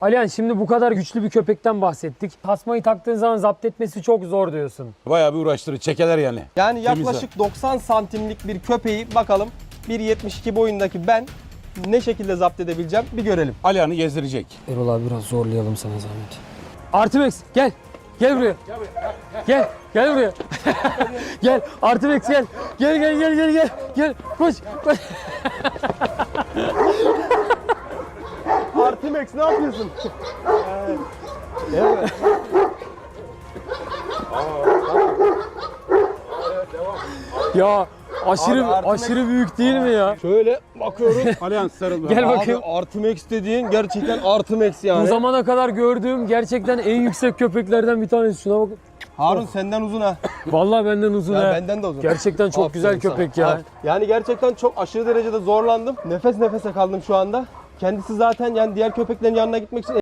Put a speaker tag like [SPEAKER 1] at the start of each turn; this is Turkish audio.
[SPEAKER 1] Alihan, şimdi bu kadar güçlü bir köpekten bahsettik. Tasmayı taktığın zaman zapt etmesi çok zor diyorsun.
[SPEAKER 2] Bayağı bir uğraştırır. Çekeler yani.
[SPEAKER 3] Yani
[SPEAKER 2] Temiz
[SPEAKER 3] yaklaşık 90 santimlik bir köpeği bakalım 1.72 boyundaki ben ne şekilde zapt edebileceğim bir görelim.
[SPEAKER 2] Alihan'ı gezdirecek.
[SPEAKER 1] Erol abi biraz zorlayalım sana zahmet. Artimex gel. Gel buraya. Gel. Gel buraya. Gel. Artimex gel. Gel. Gel. Koş.
[SPEAKER 3] Artimex ne yapıyorsun? Evet.
[SPEAKER 1] Ya aşırı
[SPEAKER 3] Abi, Artimex-
[SPEAKER 1] aşırı büyük değil mi ya?
[SPEAKER 3] Şöyle bakıyorum.
[SPEAKER 2] Alihan sarıl.
[SPEAKER 1] Gel
[SPEAKER 3] Abi
[SPEAKER 1] bakayım.
[SPEAKER 3] Artimex dediğin gerçekten Artimex yani.
[SPEAKER 1] Bu zamana kadar gördüğüm gerçekten en yüksek köpeklerden bir tanesi. Şuna bak.
[SPEAKER 3] Harun senden uzun ha.
[SPEAKER 1] Vallahi benden uzun
[SPEAKER 3] Ya
[SPEAKER 1] ha.
[SPEAKER 3] benden de uzun.
[SPEAKER 1] Gerçekten çok
[SPEAKER 3] Aferin
[SPEAKER 1] güzel
[SPEAKER 3] sana.
[SPEAKER 1] köpek ya.
[SPEAKER 3] Yani gerçekten çok aşırı derecede zorlandım. Nefes nefese kaldım şu anda. Kendisi zaten yani diğer köpeklerin yanına gitmek için